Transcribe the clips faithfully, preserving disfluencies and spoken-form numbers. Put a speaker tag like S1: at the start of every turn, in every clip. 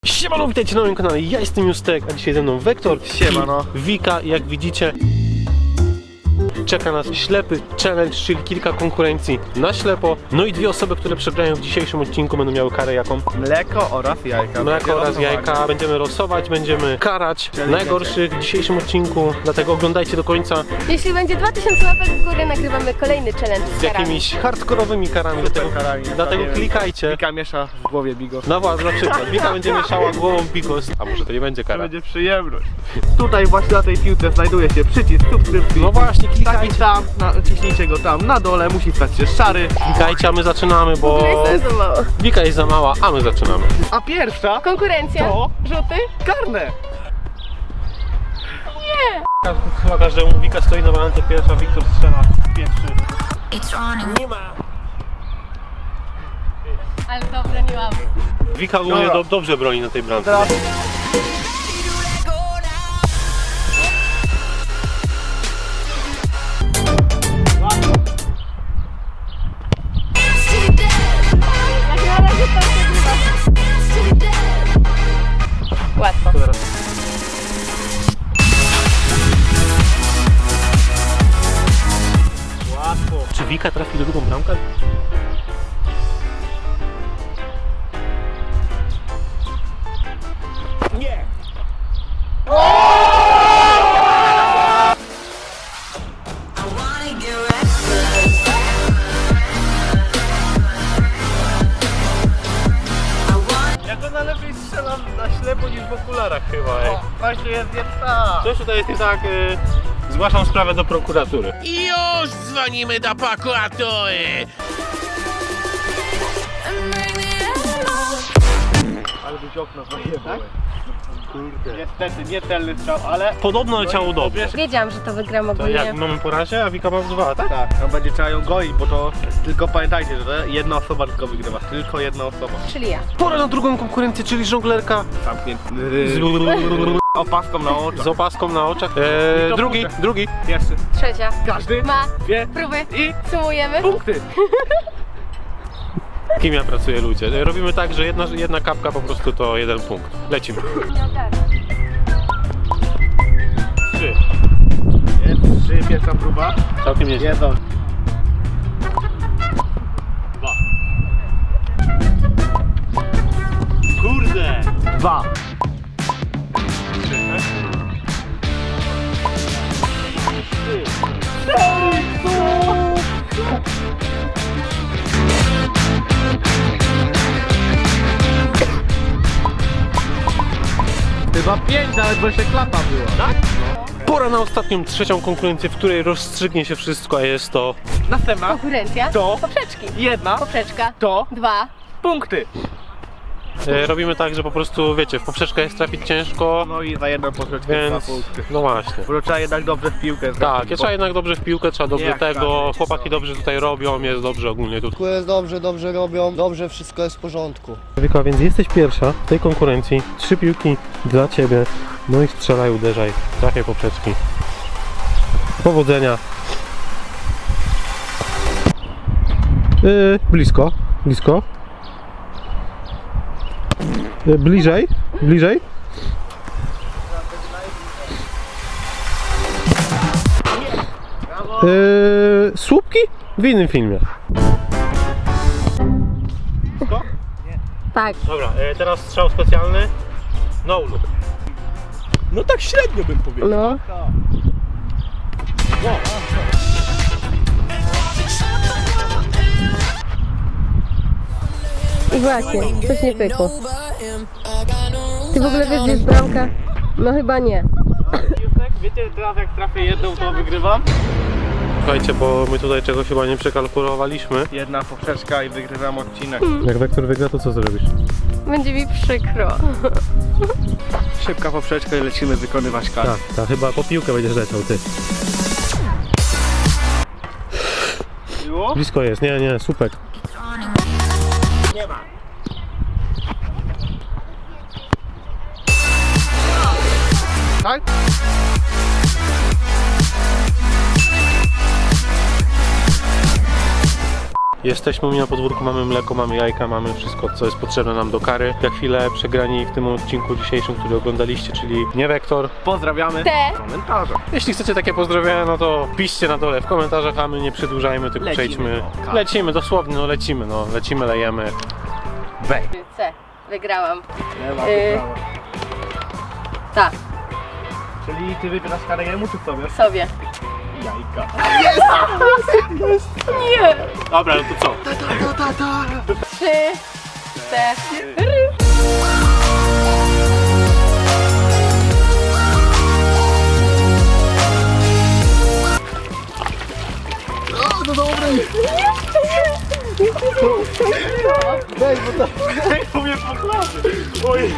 S1: Siemano, witajcie na moim kanale, ja jestem Justek, a dzisiaj ze mną Wektor.
S2: Siemano.
S1: Wika, jak widzicie czeka nas ślepy challenge, czyli kilka konkurencji na ślepo. No i dwie osoby, które przegrają w dzisiejszym odcinku, będą miały karę jaką?
S2: Mleko oraz jajka.
S1: Mleko oraz jajka. Będziemy losować, będziemy karać
S2: Czyli
S1: najgorszych w dzisiejszym odcinku, dlatego oglądajcie do końca.
S3: Jeśli będzie dwa tysiące łapek w górę, nagrywamy kolejny challenge z
S1: Z
S3: karami.
S1: jakimiś hardkorowymi karami, dlatego,
S2: karami.
S1: dlatego
S2: Tak,
S1: klikajcie.
S2: Wika miesza w głowie bigos.
S1: Na was na przykład, Wika będzie mieszała głową bigos, a może to nie będzie
S2: To
S1: kara.
S2: będzie przyjemność. Tutaj właśnie na tej piłce znajduje się przycisk subskrypcji.
S1: No właśnie,
S2: Taki
S1: klikajcie.
S2: tam, na, ciśnijcie go tam na dole, musi stać się szary.
S1: Klikajcie, a my zaczynamy,
S3: W
S1: bo
S3: ogóle jestem za mało.
S1: Wika jest za mała, a my zaczynamy.
S2: A pierwsza
S3: Konkurencja?
S2: To?
S3: Rzuty?
S2: karne.
S1: Chyba każdemu Wika stoi na balance pierwsza, Wiktor strzela pierwszy. Nie ma!
S3: Ale to broniłam.
S1: Wika ogólnie
S2: Dobra.
S1: do, dobrze broni na tej bramce.
S2: Teraz
S3: Jak na razie to przegrywa. Łatwo.
S1: Teraz.
S2: łatwo.
S1: Czy Wika trafi do drugą bramkę?
S2: Nie.
S1: Ja go najlepiej strzelam na ślepo niż w okularach chyba. Ej.
S2: O, właśnie jest jedna.
S1: Coś tutaj jest nie tak. Y, zgłaszam sprawę do prokuratury.
S4: I już dzwonimy do prokuratury!
S2: Ale byś okno zajebał. Kurde. Niestety, niecelny strzał, ale...
S1: Podobno leciało dobrze.
S3: Wiedziałam, że to wygram
S1: To
S3: ogólnie.
S1: jak mamy po razie, a Wika ma dwa, tak?
S2: Tak, no będzie trzeba ją goić, bo to tylko pamiętajcie, że to jedna osoba tylko wygrywa. Tylko jedna osoba.
S3: Czyli ja.
S1: Pora na drugą konkurencję, czyli żonglerka
S2: Zamknięty.
S1: z,
S2: Opaską na oczach.
S1: z opaską na oczach.
S2: I
S1: Eee,
S2: to
S1: drugi,
S2: punkty.
S1: drugi.
S2: Pierwszy.
S3: Trzecia.
S2: Każdy
S3: Ma.
S2: dwie
S3: Próby.
S2: i
S3: Sumujemy.
S2: punkty.
S1: Kim ja pracuję, ludzie? Robimy tak, że jedna, jedna kapka po prostu to jeden punkt. Lecimy. Trzy.
S2: Jest trzy, pierwsza próba.
S1: Całkiem nieźle.
S2: Jedzą.
S1: Dwa. Kurde!
S2: Dwa. Chyba pięć, nawet bo jeszcze klapa była.
S1: Tak? Pora na ostatnią, trzecią konkurencję, w której rozstrzygnie się wszystko, a jest to...
S2: Następna.
S3: Konkurencja?
S2: To.
S3: Poprzeczki.
S2: Jedna.
S3: Poprzeczka.
S2: To.
S3: Dwa.
S2: Punkty.
S1: E, robimy tak, że po prostu, wiecie, w poprzeczkę jest trafić ciężko,
S2: No i za jedną poprzeczkę
S1: więc...
S2: dwa punkty.
S1: No właśnie.
S2: Bo trzeba jednak dobrze w piłkę
S1: Tak,
S2: trafić,
S1: ja trzeba jednak dobrze w piłkę, trzeba dobrze
S2: Jak
S1: tego,
S2: tak,
S1: chłopaki
S2: co?
S1: dobrze tutaj robią, jest dobrze ogólnie tu.
S5: Wszystko jest dobrze, dobrze robią, dobrze wszystko jest w porządku.
S1: Wika, więc jesteś pierwsza w tej konkurencji, trzy piłki dla Ciebie, no i strzelaj, uderzaj, trafiaj poprzeczki. Powodzenia. Yy, blisko, blisko. Yy, bliżej, bliżej. Yy, słupki? W innym filmie.
S3: Tak.
S1: Dobra, e, teraz strzał specjalny. No look.
S4: No tak średnio bym powiedział.
S3: No. I właśnie, coś nie pykło. Ty w ogóle wiesz, gdzie jest bramka? No chyba nie.
S2: Wiecie, teraz jak trafię jedną, to wygrywam.
S1: Słuchajcie, bo my tutaj czegoś chyba nie przekalkulowaliśmy.
S2: Jedna poprzeczka i wygrywam odcinek.
S1: Jak Wektor wygra, to co zrobisz?
S3: Będzie mi przykro.
S2: Szybka poprzeczka i lecimy wykonywać karę.
S1: Tak, tak, chyba po piłkę będziesz leciał, ty.
S2: Było?
S1: Blisko jest, nie, nie, słupek.
S2: Nie ma. Tak?
S1: Jesteśmy u mnie na podwórku, mamy mleko, mamy jajka, mamy wszystko, co jest potrzebne nam do kary. Za chwilę przegrani w tym odcinku dzisiejszym, który oglądaliście, czyli nie Wektor.
S2: Pozdrawiamy.
S3: Te.
S2: Komentarze.
S1: Jeśli chcecie takie pozdrowienia, no to piszcie na dole w komentarzach, a my nie przedłużajmy, tylko
S2: Lecimy,
S1: przejdźmy.
S2: no.
S1: Lecimy, dosłownie, no lecimy, no lecimy, lejemy. Wej.
S3: C. Wygrałam.
S2: Lewa,
S3: Yy.
S2: prawa.
S3: Tak,
S2: Czyli ty wybierasz karę jemu czy sobie?
S3: sobie.
S2: Jajka.
S3: Nie.
S1: Dobra, no to co?
S3: Trzy, cztery.
S2: To mnie pochlaby. Ojej.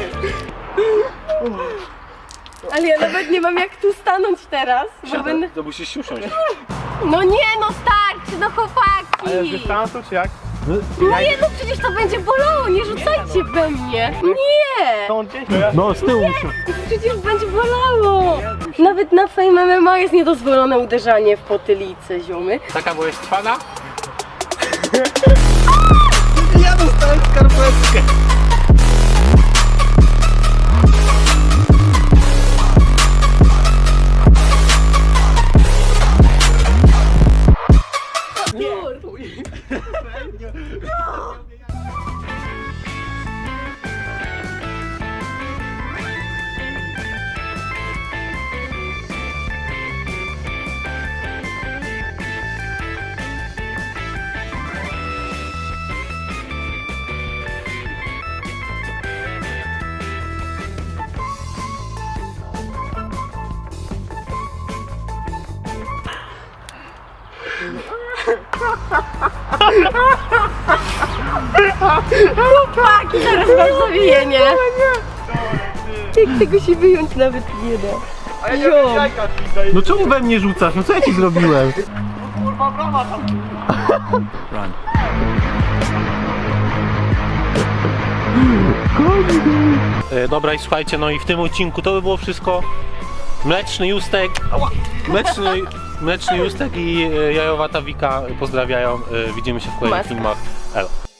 S3: Ale ja nawet nie mam jak tu stanąć teraz, bo będę...
S1: To musisz usiąść.
S3: No nie, no starczy, no chłopaki!
S2: Ale z dystansu czy jak?
S3: No nie, no przecież to będzie bolało, nie rzucajcie we mnie! Nie!
S2: To on gdzieś to ja.
S1: No, z tyłu musisz.
S3: Przecież będzie bolało! Nawet na Fame M M A jest niedozwolone uderzanie w potylicę, ziomy.
S1: Taka, bo jest trwana?
S2: Ja dostałem skarpetkę.
S3: Chłopaki, zaraz mam zawijenie! Jak tego się wyjąć nawet nie da.
S2: A ja nie wiem jajka ci daję.
S1: No czemu we mnie rzucasz? No co ja ci zrobiłem?
S2: Kurwa brawa tam.
S1: E, dobra i słuchajcie, no i w tym odcinku to by było wszystko. Mleczny Justek, ała, mleczny, mleczny Justek i e, jajowata Wika pozdrawiają. E, widzimy się w kolejnych
S3: Maska.
S1: filmach. Elo.